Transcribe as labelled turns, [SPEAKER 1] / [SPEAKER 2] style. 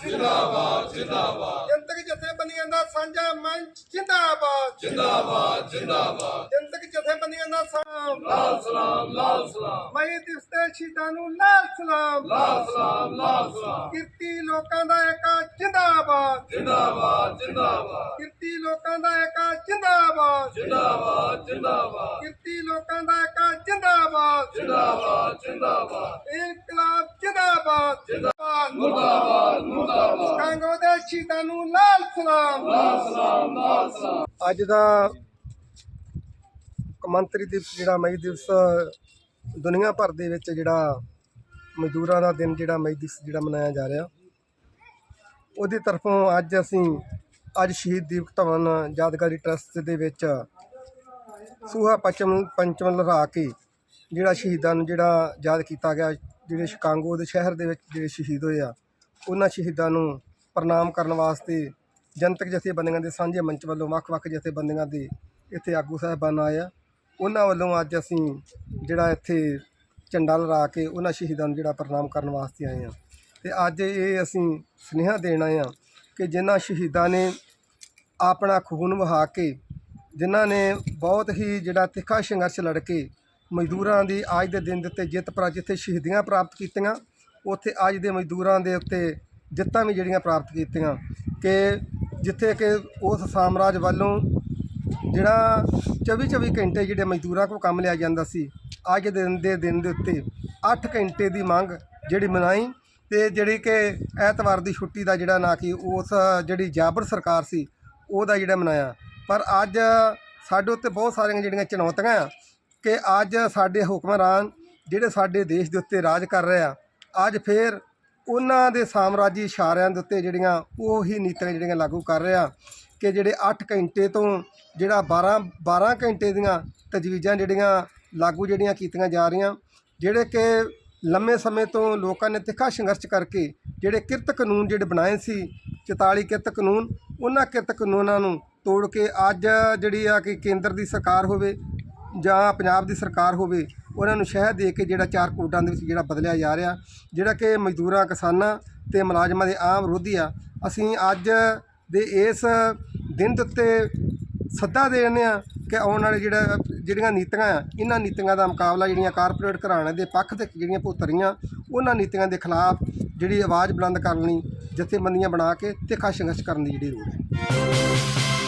[SPEAKER 1] जिंदाबाद जिंदाबाद जनतक जथेबंदियां दा साझा मंच जिंदाबाद जिंदाबाद जिंदाबाद जनतक जथेबंदियां दा लाल सलाम लाल सलाम मई दिवस ते शहीदां नूं लाल सलाम लाल सलाम लाल सलाम किरती लोकां दा एका जिंदाबाद जिंदाबाद जिंदाबाद किरती लोकां दा एका जिंदाबाद जिंदाबाद जिंदाबाद किरती लोकां दा एका जिंदाबाद जिंदाबाद जिंदाबाद इनकलाब जिंदाबाद जिंदाबाद मुर्दाबाद मुर्दाबाद कांगो दे शहीदां नूं लाल सलाम लाल सलाम लाल सलाम। ਅੱਜ ਦਾ ਕੌਮਾਂਤਰੀ ਦਿਵਸ ਜਿਹੜਾ ਮਈ ਦਿਵਸ ਦੁਨੀਆ ਭਰ ਦੇ ਵਿੱਚ ਜਿਹੜਾ ਮਜ਼ਦੂਰਾਂ ਦਾ ਦਿਨ ਜਿਹੜਾ ਮਈ ਦਿਵਸ ਜਿਹੜਾ ਮਨਾਇਆ ਜਾ ਰਿਹਾ, ਉਹਦੀ ਤਰਫੋਂ ਅੱਜ ਅਸੀਂ ਸ਼ਹੀਦ ਦੀਪਕ ਧਵਨ ਯਾਦਗਾਰੀ ਟਰੱਸਟ ਦੇ ਵਿੱਚ ਸੂਹਾ ਪੰਚਮ ਲਹਿਰਾ ਕੇ ਜਿਹੜਾ ਸ਼ਹੀਦਾਂ ਨੂੰ ਜਿਹੜਾ ਯਾਦ ਕੀਤਾ ਗਿਆ, ਜਿਹੜੇ ਸ਼ਿਕਾਗੋ ਦੇ ਸ਼ਹਿਰ ਦੇ ਵਿੱਚ ਜਿਹੜੇ ਸ਼ਹੀਦ ਹੋਏ ਆ, ਉਹਨਾਂ ਸ਼ਹੀਦਾਂ ਨੂੰ ਪ੍ਰਣਾਮ ਕਰਨ ਵਾਸਤੇ ਜਨਤਕ ਜਥੇਬੰਦੀਆਂ ਦੇ ਸਾਂਝੇ ਮੰਚ ਵੱਲੋਂ ਵੱਖ-ਵੱਖ ਜਥੇਬੰਦੀਆਂ ਦੇ ਇੱਥੇ ਆਗੂ ਸਾਹਿਬਾਨ ਆਏ ਆ। ਉਹਨਾਂ ਵੱਲੋਂ ਅੱਜ ਅਸੀਂ ਜਿਹੜਾ ਇੱਥੇ ਝੰਡਾ ਲਹਿਰਾ ਕੇ ਉਹਨਾਂ ਸ਼ਹੀਦਾਂ ਨੂੰ ਜਿਹੜਾ ਪ੍ਰਣਾਮ ਕਰਨ ਵਾਸਤੇ ਆਏ ਹਾਂ। ਅਤੇ ਅੱਜ ਇਹ ਅਸੀਂ ਸੁਨੇਹਾ ਦੇਣ ਆਏ ਹਾਂ ਕਿ ਜਿਨ੍ਹਾਂ ਸ਼ਹੀਦਾਂ ਨੇ ਆਪਣਾ ਖੂਨ ਵਹਾ ਕੇ, ਜਿਨ੍ਹਾਂ ਨੇ ਬਹੁਤ ਹੀ ਜਿਹੜਾ ਤਿੱਖਾ ਸੰਘਰਸ਼ ਲੜ ਕੇ ਮਜ਼ਦੂਰਾਂ ਦੀ ਅੱਜ ਦੇ ਦਿਨ ਦੇ ਉੱਤੇ ਜਿੱਥੇ ਸ਼ਹੀਦੀਆਂ ਪ੍ਰਾਪਤ ਕੀਤੀਆਂ, ਉੱਥੇ ਅੱਜ ਦੇ ਮਜ਼ਦੂਰਾਂ ਦੇ ਉੱਤੇ ਜਿੱਤਾਂ ਵੀ ਜਿਹੜੀਆਂ ਪ੍ਰਾਪਤ ਕੀਤੀਆਂ, ਕਿ ਜਿੱਥੇ ਕਿ ਉਸ ਸਾਮਰਾਜ ਵੱਲੋਂ ਜਿਹੜਾ 24 ਘੰਟੇ ਜਿਹੜੇ ਮਜ਼ਦੂਰਾਂ ਕੋਲ ਕੰਮ ਲਿਆ ਜਾਂਦਾ ਸੀ, ਅੱਜ ਦੇ ਦਿਨ ਦੇ ਉੱਤੇ 8 ਘੰਟੇ ਦੀ ਮੰਗ ਜਿਹੜੀ ਮਨਾਈ, ਅਤੇ ਜਿਹੜੀ ਕਿ ਐਤਵਾਰ ਦੀ ਛੁੱਟੀ ਦਾ ਜਿਹੜਾ ਨਾ ਕਿ ਉਸ ਜਿਹੜੀ ਜਾਬਰ ਸਰਕਾਰ ਸੀ ਉਹਦਾ ਜਿਹੜਾ ਮਨਾਇਆ। ਪਰ ਅੱਜ ਸਾਡੇ ਉੱਤੇ ਬਹੁਤ ਸਾਰੀਆਂ ਜਿਹੜੀਆਂ ਚੁਣੌਤੀਆਂ ਆ ਕਿ ਅੱਜ ਸਾਡੇ ਹੁਕਮਰਾਨ ਜਿਹੜੇ ਸਾਡੇ ਦੇਸ਼ ਦੇ ਉੱਤੇ ਰਾਜ ਕਰ ਰਹੇ ਆ, ਅੱਜ ਫਿਰ ਉਹਨਾਂ ਦੇ ਸਾਮਰਾਜੀ ਇਸ਼ਾਰਿਆਂ ਦੇ ਉੱਤੇ ਜਿਹੜੀਆਂ ਉਹੀ ਨੀਤੀਆਂ ਜਿਹੜੀਆਂ ਲਾਗੂ ਕਰ ਰਹੇ ਆ ਕਿ ਜਿਹੜੇ 8 ਘੰਟੇ ਤੋਂ ਜਿਹੜਾ 12 ਘੰਟੇ ਦੀਆਂ ਤਜਵੀਜ਼ਾਂ ਜਿਹੜੀਆਂ ਲਾਗੂ ਜਿਹੜੀਆਂ ਕੀਤੀਆਂ ਜਾ ਰਹੀਆਂ, ਜਿਹੜੇ ਕਿ ਲੰਮੇ ਸਮੇਂ ਤੋਂ ਲੋਕਾਂ ਨੇ ਤਿੱਖਾ ਸੰਘਰਸ਼ ਕਰਕੇ ਜਿਹੜੇ ਕਿਰਤ ਕਾਨੂੰਨ ਜਿਹੜੇ ਬਣਾਏ ਸੀ, 44 ਕਿਰਤ ਕਾਨੂੰਨ, ਉਹਨਾਂ ਕਿਰਤ ਕਾਨੂੰਨਾਂ ਨੂੰ ਤੋੜ ਕੇ ਅੱਜ ਜਿਹੜੀ ਆ ਕਿ ਕੇਂਦਰ ਦੀ ਸਰਕਾਰ ਹੋਵੇ ਜਾਂ ਪੰਜਾਬ ਦੀ ਸਰਕਾਰ ਹੋਵੇ, ਉਹਨਾਂ ਨੂੰ ਸ਼ਹਿ ਦੇ ਕੇ ਜਿਹੜਾ 4 ਕੋਡਾਂ ਦੇ ਵਿੱਚ ਜਿਹੜਾ ਬਦਲਿਆ ਜਾ ਰਿਹਾ, ਜਿਹੜਾ ਕਿ ਮਜ਼ਦੂਰਾਂ, ਕਿਸਾਨਾਂ ਅਤੇ ਮੁਲਾਜ਼ਮਾਂ ਦੇ ਆਮ ਵਿਰੋਧੀ ਆ। ਅਸੀਂ ਅੱਜ ਦੇ ਇਸ ਦਿਨ ਦੇ ਉੱਤੇ ਸੱਦਾ ਦੇ ਰਹੇ ਹਾਂ ਕਿ ਆਉਣ ਵਾਲੇ ਜਿਹੜੀਆਂ ਨੀਤੀਆਂ ਆ, ਇਹਨਾਂ ਨੀਤੀਆਂ ਦਾ ਮੁਕਾਬਲਾ ਜਿਹੜੀਆਂ ਕਾਰਪੋਰੇਟ ਘਰਾਣੇ ਦੇ ਪੱਖ 'ਤੇ ਜਿਹੜੀਆਂ ਭੁਗਤ ਰਹੀਆਂ, ਉਹਨਾਂ ਨੀਤੀਆਂ ਦੇ ਖਿਲਾਫ ਜਿਹੜੀ ਆਵਾਜ਼ ਬੁਲੰਦ ਕਰਨ ਲਈ ਜਥੇਬੰਦੀਆਂ ਬਣਾ ਕੇ ਤਿੱਖਾ ਸੰਘਰਸ਼ ਕਰਨ ਦੀ ਜਿਹੜੀ ਲੋੜ ਹੈ।